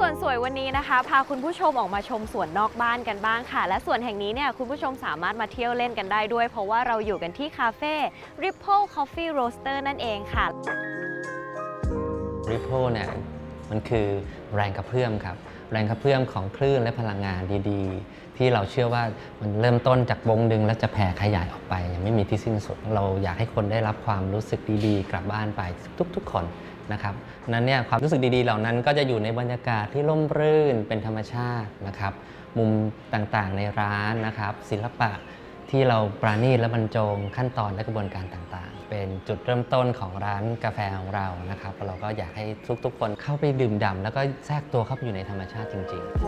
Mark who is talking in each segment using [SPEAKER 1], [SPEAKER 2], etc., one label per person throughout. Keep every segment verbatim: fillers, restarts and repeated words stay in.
[SPEAKER 1] ส่วนสวยวันนี้นะคะพาคุณผู้ชมออกมาชมสวนนอกบ้านกันบ้างค่ะและสวนแห่งนี้เนี่ยคุณผู้ชมสามารถมาเที่ยวเล่นกันได้ด้วยเพราะว่าเราอยู่กันที่คาเฟ่ Ripple Coffee Roaster นั่นเองค่ะ
[SPEAKER 2] Ripple เนี่ยมันคือแรงกระเพื่อมครับแรงกระเพื่อมของคลื่นและพลังงานดีๆที่เราเชื่อว่ามันเริ่มต้นจากวงดึงแล้วจะแผ่ขยายออกไปยังไม่มีที่สิ้นสุดเราอยากให้คนได้รับความรู้สึกดีๆกลับบ้านไปทุกๆคนนะครับนั้นเนี่ยความรู้สึกดีๆเหล่านั้นก็จะอยู่ในบรรยากาศที่ร่มรื่นเป็นธรรมชาตินะครับมุมต่างๆในร้านนะครับศิลปะที่เราปราณีตและบรรจงขั้นตอนและกระบวนการต่างๆเป็นจุดเริ่มต้นของร้านกาแฟของเรานะครับเราก็อยากให้ทุกๆคนเข้าไปดื่มด่ำแล้วก็แทรกตัวเข้าไปอยู่ในธรรมชาติจริงๆ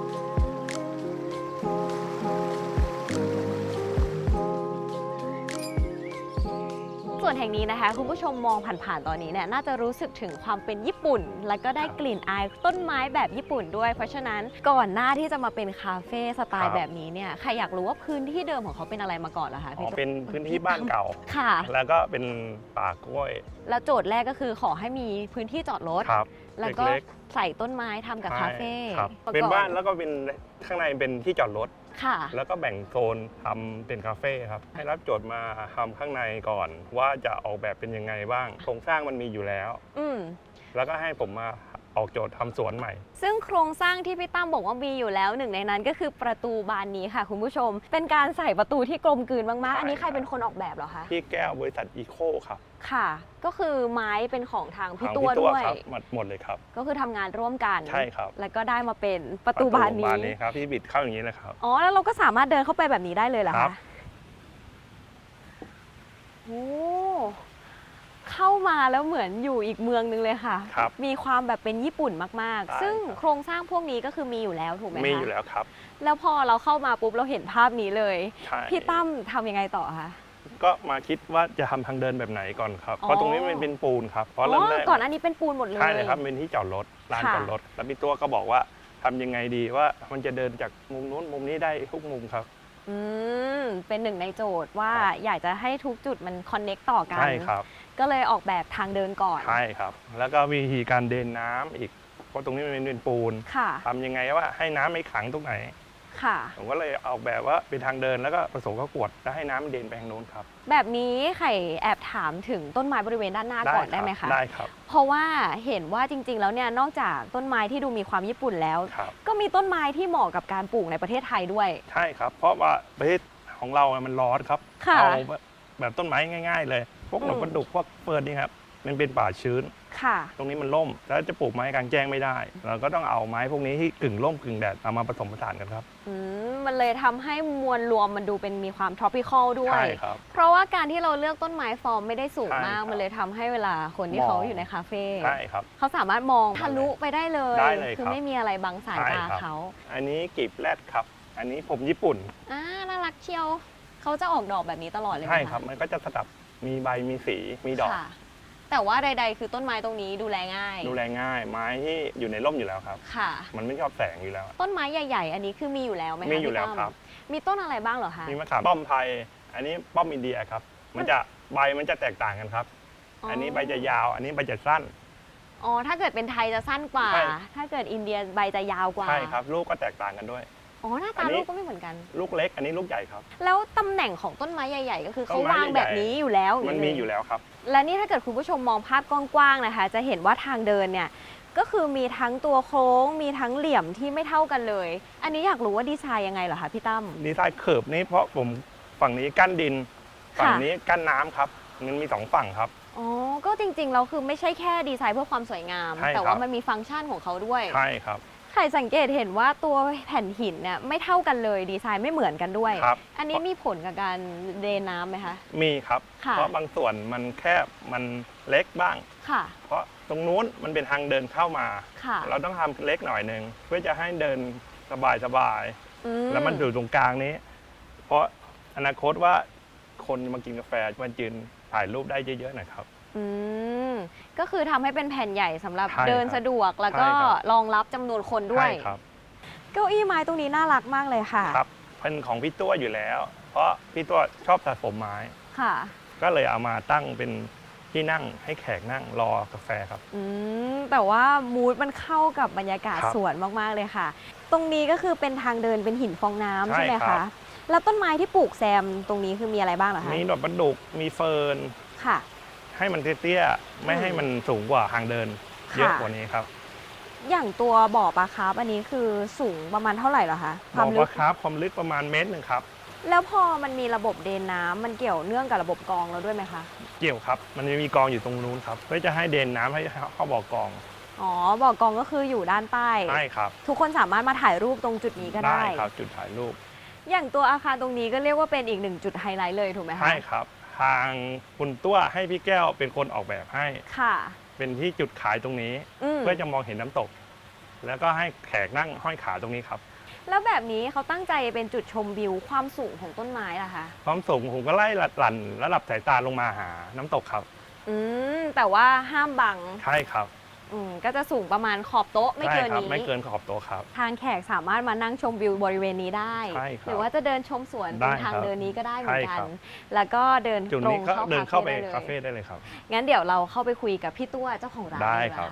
[SPEAKER 1] ส่วนแห่งนี้นะคะคุณผู้ชมมองผ่านๆตอนนี้เนี่ยน่าจะรู้สึกถึงความเป็นญี่ปุ่นแล้วก็ได้กลิ่นอายต้นไม้แบบญี่ปุ่นด้วยเพราะฉะนั้นก่อนหน้าที่จะมาเป็นคาเฟ่สไตล์แบบนี้เนี่ยใครอยากรู้ว่าพื้นที่เดิมของเขาเป็นอะไรมาก่อนเหรอคะพี่
[SPEAKER 3] เป็นพื้นที่บ้านเก่า
[SPEAKER 1] ค่ะ
[SPEAKER 3] แล้วก็เป็นป่ากล้วย
[SPEAKER 1] แล้วโจทย์แรกก็คือขอให้มีพื้นที่จอดรถแล้วก็ใส่ต้นไม้ทำกับคาเฟ่
[SPEAKER 3] เป็นบ้านแล้วก็เป็นข้างในเป็นที่จอดรถแล้วก็แบ่งโซนทำเป็นคาเฟ่ครับให้รับโจทย์มาทำข้างในก่อนว่าจะออกแบบเป็นยังไงบ้างโครงสร้างมันมีอยู่แล้วอืแล้วก็ให้ผมมาออกโจทย์ทำสวนใหม่
[SPEAKER 1] ซึ่งโครงสร้างที่พี่ตั้มบอกว่ามีอยู่แล้วหนึ่งในนั้นก็คือประตูบานนี้ค่ะคุณผู้ชมเป็นการใส่ประตูที่กลมกลืนมากๆอันนี้ใครเป็นคนออกแบบเหรอคะ
[SPEAKER 3] พี่แก้วบริษัทอีโคครับ
[SPEAKER 1] ค่ะก็คือไม้เป็นของทางพี่ตัวด้วย
[SPEAKER 3] หมดเลยครับ
[SPEAKER 1] ก็คือทำงานร่วมกัน
[SPEAKER 3] ใช่ครับ
[SPEAKER 1] แล้วก็ได้มาเป็นประตูบานนี้
[SPEAKER 3] บานนี้ครับพี่บิดเข้าอย่างนี้เลยครับ
[SPEAKER 1] อ๋อแล้วเราก็สามารถเดินเข้าไปแบบนี้ได้เลยเหรอคะโอ้เข้ามาแล้วเหมือนอยู่อีกเมืองนึงเลยค่ะมีความแบบเป็นญี่ปุ่นมากๆซึ่งโครงสร้างพวกนี้ก็คือมีอยู่แล้วถูกไหมคะ
[SPEAKER 3] มีอยู่แล้วครับ
[SPEAKER 1] แล้วพอเราเข้ามาปุ๊บเราเห็นภาพนี้เลยพี่ตั้มทำยังไงต่อคะ
[SPEAKER 3] ก็มาคิดว่าจะทำทางเดินแบบไหนก่อนครับเพราะตรงนี้มันเป็นปูนครับเพราะเริ่มแรก
[SPEAKER 1] ก่อนอันนี้เป็นปูนหมดเลย
[SPEAKER 3] ใช่เลยครับเป็นที่จอดรถลานจอดรถแล้วพี่ตัวก็บอกว่าทำยังไงดีว่ามันจะเดินจากมุมนู้นมุมนี้ได้ทุกมุมครับ
[SPEAKER 1] อืมเป็นหนึ่งในโจทย์ว่าอยากจะให้ทุกจุดมันคอนเน็กต่อกัน
[SPEAKER 3] ใช่ครับ
[SPEAKER 1] ก็เลยออกแบบทางเดินก่อน
[SPEAKER 3] ใช่ครับแล้วก็วิธีการเดินน้ำอีกเพราะตรงนี้มันเป็นปูนทำยังไงว่าให้น้ำไม่ขังตรงไหนผมก็เลยออกแบบว่าเป็นทางเดินแล้วก็ผสมข้าวกวดแล้วให้น้ำเดินไปทางโน้นครับ
[SPEAKER 1] แบบนี้ไข่แอบถามถึงต้นไม้บริเวณด้านหน้าก่อนได้ไหมคะ
[SPEAKER 3] ได้ครับ
[SPEAKER 1] เพราะว่าเห็นว่าจริงๆแล้วเนี่ยนอกจากต้นไม้ที่ดูมีความญี่ปุ่นแล้วก็มีต้นไม้ที่เหมาะกับการปลูกในประเทศไทยด้วย
[SPEAKER 3] ใช่ครับเพราะว่าประเทศของเรามันร้อนครับเอาแบบต้นไม้ง่ายๆเลยพวกหนอนประดุกพวกเฟิร์นนี่ครับมันเป็นป่าชื้นตรงนี้มันร่มแล้วจะปลูกไม้กลางแจ้งไม่ได้เราก็ต้องเอาไม้พวกนี้ที่กึ่งร่มกึ่งแดดเอามาผสมผสานกันครับ
[SPEAKER 1] อืมมันเลยทำให้มวลรวมมันดูเป็นมีความ tropical ด้วยใช่ครับเพราะว่าการที่เราเลือกต้นไม้ฟอร์มไม่ได้สูงมากมันเลยทำให้เวลาคนที่เขาอยู่ในคาเฟ่
[SPEAKER 3] ใช่ครับ
[SPEAKER 1] เขาสามารถมองทะลุไปได้เลยคือไม่มีอะไรบังสายตาเขา
[SPEAKER 3] อันนี้กีบแรดครับอันนี้ผมญี่ปุ่น
[SPEAKER 1] อ่าน่ารักเชียวเขาจะออกดอกแบบนี้ตลอดเลย
[SPEAKER 3] ใช่ครับมันก็จะสลับมีใบมีสีมีดอก
[SPEAKER 1] แต่ว่าใดๆคือต้นไม้ตรงนี้ดูแลง่าย
[SPEAKER 3] ดูแลง่ายไม้ที่อยู่ในร่มอยู่แล้วครับค่ะมันไม่ชอบแสงอยู่แล้ว
[SPEAKER 1] ต้นไม้ใหญ่ๆอันนี้คือมีอยู่แล้วไหมคะ
[SPEAKER 3] มีอยู่แล้วครับ
[SPEAKER 1] มีต้นอะไรบ้างเหรอคะ
[SPEAKER 3] มีมะขามป้อมไทยอันนี้ป้อมอินเดียครับมันจะใบมันจะแตกต่างกันครับอันนี้ใบจะยาวอันนี้ใบจะสั้น
[SPEAKER 1] อ๋อถ้าเกิดเป็นไทยจะสั้นกว่าถ้าเกิดอินเดียใบจะยาวกว่า
[SPEAKER 3] ใช่ครับลูกก็แตกต่างกันด้วย
[SPEAKER 1] อ๋อหน้าตาลูกก็ไม่เหมือนกัน
[SPEAKER 3] ลูกเล็กอันนี้ลูกใหญ่ครับ
[SPEAKER 1] แล้วตำแหน่งของต้นไม้ใหญ่ๆก็คือเขาวางแบบนี้อยู่แล้ว
[SPEAKER 3] มันมีอยู่แล้วครับ
[SPEAKER 1] และนี่ถ้าเกิดคุณผู้ชมมองภาพกว้างๆนะคะจะเห็นว่าทางเดินเนี่ยก็คือมีทั้งตัวโค้งมีทั้งเหลี่ยมที่ไม่เท่ากันเลยอันนี้อยากรู้ว่าดีไซน์ยังไงเหรอคะพี่ตั้ม
[SPEAKER 3] ดีไซน์เคิร์ฟนี้เพราะผมฝั่งนี้กั้นดินฝั่งนี้กั้นน้ำครับมันมีสองฝั่งครับ
[SPEAKER 1] อ๋อก็จริงๆเราคือไม่ใช่แค่ดีไซน์เพื่อความสวยงามแต่ว่ามันมีฟังก์ชันของเขาด้วย
[SPEAKER 3] ใช่ครับ
[SPEAKER 1] ไข่สังเกตเห็นว่าตัวแผ่นหินเนี่ยไม่เท่ากันเลยดีไซน์ไม่เหมือนกันด้วยอันนี้มีผลกับการเดนน้ำไหมคะ
[SPEAKER 3] มีครับเพราะบางส่วนมันแคบมันเล็กบ้างเพราะตรงนู้นมันเป็นทางเดินเข้ามาเราต้องทำเล็กหน่อยนึงเพื่อจะให้เดินสบายสบายแล้วมันอยู่ตรงกลางนี้เพราะอนาคตว่าคนมากินกาแฟมันยืนถ่ายรูปได้เยอะๆหน่อยครับ
[SPEAKER 1] อืมก็คือทำให้เป็นแผ่นใหญ่สำหรับเดินสะดวกแล้วก็รองรับจำนวนคนด้วยเก้าอี้ไม้ตรงนี้น่ารักมากเลยค่ะ
[SPEAKER 3] ครับเป็นของพี่ตัวอยู่แล้วเพราะพี่ตัวชอบสะสมไม้ค่ะก็เลยเอามาตั้งเป็นที่นั่งให้แขกนั่งรอกาแฟครับ
[SPEAKER 1] อืมแต่ว่ามูดมันเข้ากับบรรยากาศสวนมากๆเลยค่ะตรงนี้ก็คือเป็นทางเดินเป็นหินฟองน้ำใช่ไหมคะแล้วต้นไม้ที่ปลูกแซมตรงนี้คือมีอะไรบ้างเหรอคะ
[SPEAKER 3] มีดอกประดุกมีเฟิร์น
[SPEAKER 1] ค่ะ
[SPEAKER 3] ให้มันเตี้ยๆไม่ให้มันสูงกว่าทางเดินเยอะกว่านี้ครับ
[SPEAKER 1] อย่างตัวบ่อปลาคาร์ฟอันนี้คือสูงประมาณเท่าไหร่เหรอคะ
[SPEAKER 3] บ่อปลาคาร์ฟความลึกประมาณเมตรหนึ่งครับ
[SPEAKER 1] แล้วพอมันมีระบบเดนน้ำมันเกี่ยวเนื่องกับระบบกรองเราด้วยไหมคะ
[SPEAKER 3] เกี่ยวครับมันจะมีกรองอยู่ตรงนู้นครับเพื่อจะให้เดนน้ำให้เข้าบ่อกรอง
[SPEAKER 1] อ๋อบ่อกรองก็คืออยู่ด้านใต้
[SPEAKER 3] ใช่ครับ
[SPEAKER 1] ทุกคนสามารถมาถ่ายรูปตรงจุดนี้ก็ได้
[SPEAKER 3] ได้ครับจุดถ่ายรูป
[SPEAKER 1] อย่างตัวอาคารตรงนี้ก็เรียกว่าเป็นอีกหนึ่งจุดไฮไลท์เลยถูกไหมคะ
[SPEAKER 3] ใช่ครับทางคุณตัวให้พี่แก้วเป็นคนออกแบบให้
[SPEAKER 1] ค่ะ
[SPEAKER 3] เป็นที่จุดขายตรงนี้เพื่อจะมองเห็นน้ำตกแล้วก็ให้แขกนั่งห้อยขาตรงนี้ครับ
[SPEAKER 1] แล้วแบบนี้เขาตั้งใจเป็นจุดชมวิวความสูงของต้นไม้ล่ะคะ
[SPEAKER 3] ความสูงผมก็ไล่หลั่นระดับสายตาลงมาหาน้ำตกครับ
[SPEAKER 1] อืมแต่ว่าห้ามบัง
[SPEAKER 3] ใช่ครับ
[SPEAKER 1] อืมก็จะสูงประมาณขอบโต๊ะไม่เกินนี้
[SPEAKER 3] ไม่เกินขอบโต๊ะครับ
[SPEAKER 1] ทางแขกสามารถมานั่งชมวิวบริเวณนี้ได้หรือว่าจะเดินชมสวนตรงทางเดินนี้ก็ได้เหมือนกันแล้วก็เดินตรงเข้า
[SPEAKER 3] เดินเข้าไปคาเฟ่ได้เลยครับ
[SPEAKER 1] งั้นเดี๋ยวเราเข้าไปคุยกับพี่ตัวเจ้าของร้าน
[SPEAKER 3] ได้ครับ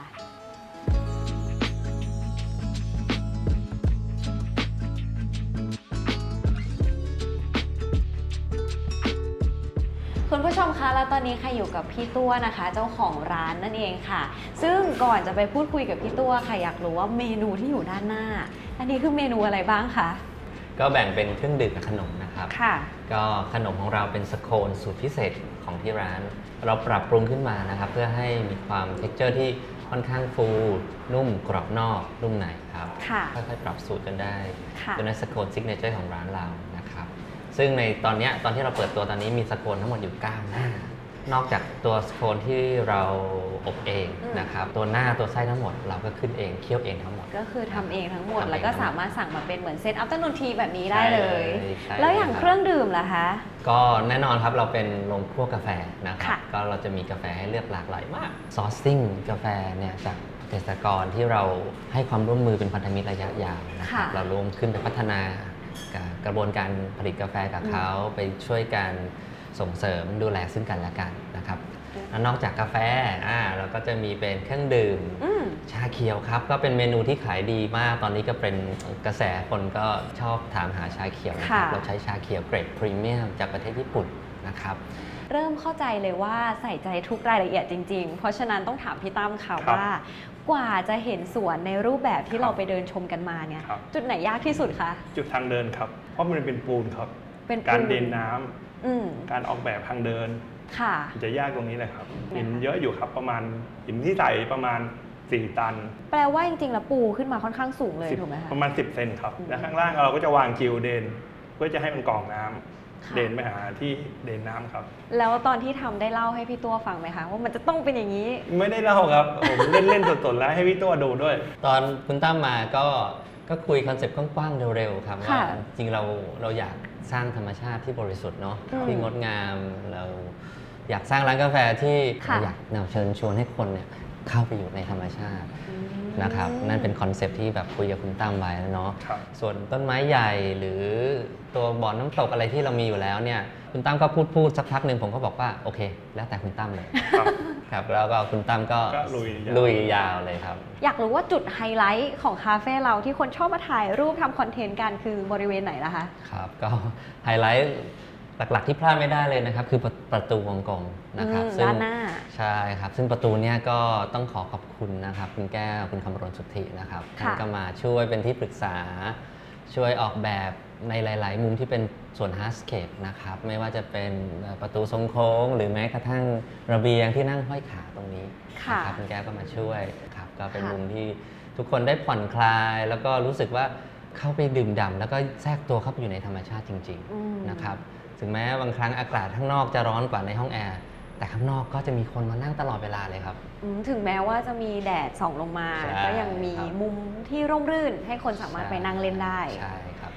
[SPEAKER 1] คุณผู้ชมคะแล้วตอนนี้ใครอยู่กับพี่ตัวนะคะเจ้าของร้านนั่นเองค่ะซึ่งก่อนจะไปพูดคุยกับพี่ตัวค่ะอยากรู้ว่าเมนูที่อยู่ด้านหน้าอันนี้คือเมนูอะไรบ้างคะ
[SPEAKER 2] ก็แบ่งเป็นเครื่องดื่มกับขนมนะครับ
[SPEAKER 1] ค่ะ
[SPEAKER 2] ก็ขนมของเราเป็นสโคนสูตรพิเศษของที่ร้านเราปรับปรุงขึ้นมานะครับเพื่อให้มีความเท็กเจอร์ที่ค่อนข้างฟูนุ่มกรอบนอกนุ่มในครับค่อยๆปรับสูตรจนได้จนได้สโคนซิกเนเจอร์ของร้านเรานะครับซึ่งในตอนนี้ตอนที่เราเปิดตัวตอนนี้มีสโคนทั้งหมดอยู่เก้าหน้านอกจากตัวสโคนที่เราอบเองนะครับตัวหน้าตัวไส้ทั้งหมดเราก็ขึ้นเองเคี่ยวเองทั้งหมด
[SPEAKER 1] ก็คือทำเองทั้งหมดแล้วก็สามารถสั่งมาเป็นเหมือนเซตอัพต้นนทีแบบนี้ได้เลยแล้วอย่างเครื่องดื่มล่ะคะ
[SPEAKER 2] ก็แน่นอนครับเราเป็นโรงคั่วกาแฟนะครับก็เราจะมีกาแฟให้เลือกหลากหลายมากซอร์ซิ่งกาแฟเนี่ยจากเกษตรกรที่เราให้ความร่วมมือเป็นพันธมิตรระยะยาวนะครับเรารวมขึ้นไปพัฒนากระบวนการผลิตกาแฟกับเขาไปช่วยกันส่งเสริมดูแลซึ่งกันและกันนะครับแล้วนอกจากกาแฟอ่าเราก็จะมีเป็นเครื่องดื่มชาเขียวครับก็เป็นเมนูที่ขายดีมากตอนนี้ก็เป็นกระแสคนก็ชอบถามหาชาเขียวนะครับเราใช้ชาเขียวเกรดพรีเมียมจากประเทศญี่ปุ่นนะครับ
[SPEAKER 1] เริ่มเข้าใจเลยว่าใส่ใจทุกรายละเอียดจริงๆเพราะฉะนั้นต้องถามพี่ตั้มค่ะว่ากว่าจะเห็นสวนในรูปแบบที่เราไปเดินชมกันมาเนี่ยจุดไหนยากที่สุดคะ
[SPEAKER 3] จุดทางเดินครับเพราะมันเป็นปูนครับเป็นการเดินน้ำการออกแบบทางเดิน
[SPEAKER 1] ค่ะ
[SPEAKER 3] จะยากตรงนี้เลยครับหินเยอะอยู่ครับประมาณหินที่ใส่ประมาณสี่ตัน
[SPEAKER 1] แปลว่าจริงๆแล้วปูขึ้นมาค่อนข้างสูงเลยถูกไหมคะ
[SPEAKER 3] ประมาณสิบเซนครับและข้างล่างเราก็จะวางกิวเดนเพื่อจะให้มันกรองน้ำเดินไปหาที่เดินน้ำครับ
[SPEAKER 1] แล้วตอนที่ทำได้เล่าให้พี่ตัวฟังไหมคะว่ามันจะต้องเป็นอย่างนี้
[SPEAKER 3] ไม่ได้เล่าครับผมเล่นเล่นสดๆแล้วให้พี่ตัวดูด้วย
[SPEAKER 2] ตอนคุณตั้มมาก็ก็คุยคอนเซ็ปต์กว้างๆเร็วๆครับว่าจริงเราเราอยากสร้างธรรมชาติที่บริสุทธิ์เนาะที่งดงามเราอยากสร้างร้านกาแฟที่อยากนำเชิญชวนให้คนเนี่ยเข้าไปอยู่ในธรรมชาตินะครับนั่นเป็นคอนเซ็ปต์ที่แบบคุยกับคุณตั้มไว้แล้วเนาะส่วนต้นไม้ใหญ่หรือตัวบ่อน้ำตกอะไรที่เรามีอยู่แล้วเนี่ยคุณตั้มก็พูดพูดสักพักหนึ่งผมก็บอกว่าโอเคแล้วแต่คุณตั้มเลยครับแล้วก็คุณตั้มก็ลุยยาวเลยครับ
[SPEAKER 1] อยากรู้ว่าจุดไฮไลท์ของคาเฟ่เราที่คนชอบมาถ่ายรูปทำคอนเทนต์กันคือบริเวณไหนล่ะคะ
[SPEAKER 2] ครับก็ไฮไลท์หลักๆที่พลาดไม่ได้เลยนะครับคือประตูวงกลมนะครับ
[SPEAKER 1] ด้านหน้า
[SPEAKER 2] ใช่ครับซึ่งประตูเนี้ยก็ต้องขอขอบคุณนะครับคุณแก้วคุณคำรณสุทธินะครับท่านก็มาช่วยเป็นที่ปรึกษาช่วยออกแบบในหลายๆมุมที่เป็นส่วนฮาร์ดสเคปนะครับไม่ว่าจะเป็นประตูทรงโค้งหรือแม้กระทั่งระเบียงที่นั่งห้อยขาตรงนี้นะครับคุณแก้วก็มาช่วยครับก็เป็นมุมที่ทุกคนได้ผ่อนคลายแล้วก็รู้สึกว่าเข้าไปดื่มด่ำแล้วก็แทรกตัวเข้าไปอยู่ในธรรมชาติจริงๆนะครับถึงแม้บางครั้งอากาศข้างนอกจะร้อนกว่าในห้องแอร์แต่ข้างนอกก็จะมีคนมานั่งตลอดเวลาเลยครับ
[SPEAKER 1] ถึงแม้ว่าจะมีแดดส่องลงมาก็ยังมีมุมที่ร่มรื่นให้คนสามารถไปนั่งเล่นได้
[SPEAKER 2] ใช่ครับ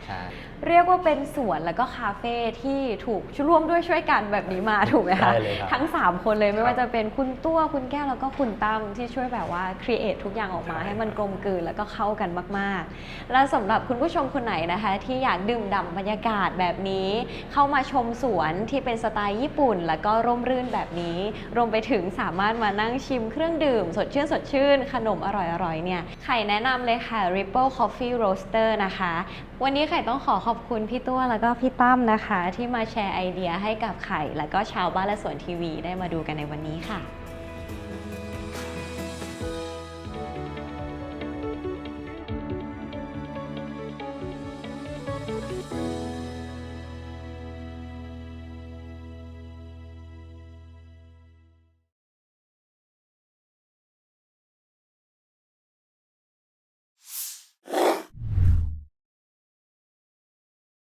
[SPEAKER 2] ใช่
[SPEAKER 1] เรียกว่าเป็นสวนแล้วก็คาเฟ่ที่ถูกร่วมด้วยช่วยกันแบบนี้มาถูกไหมคะ
[SPEAKER 2] ได้เลยครับ
[SPEAKER 1] ทั้งสามคนเลยไม่
[SPEAKER 3] ครับ
[SPEAKER 1] ว่าจะเป็นคุณตัวคุณแก้วแล้วก็คุณตั้มที่ช่วยแบบว่าครีเอททุกอย่างออกมา
[SPEAKER 3] ใช่
[SPEAKER 1] ให้มันกลมกลืนแล้วก็เข้ากันมากๆ และสำหรับคุณผู้ชมคนไหนนะคะ ที่อยากดื่มด่ำบรรยากาศแบบนี้ เข้ามาชมสวนที่เป็นสไตล์ญี่ปุ่น แล้วก็ร่มรื่นแบบนี้ รวมไปถึงสามารถมานั่งชิมเครื่องดื่ม สดชื่นสดชื่น ขนมอร่อยๆเนี่ยไข่แนะนำเลยค่ะ Ripple Coffee Roaster นะคะ วันนี้ไข่ต้องขอขอบคุณพี่ตัวแล้วก็พี่ตั้มนะคะ ที่มาแชร์ไอเดียให้กับไข่แล้วก็ชาวบ้านและสวนทีวีได้มาดูกันในวันนี้ค่ะ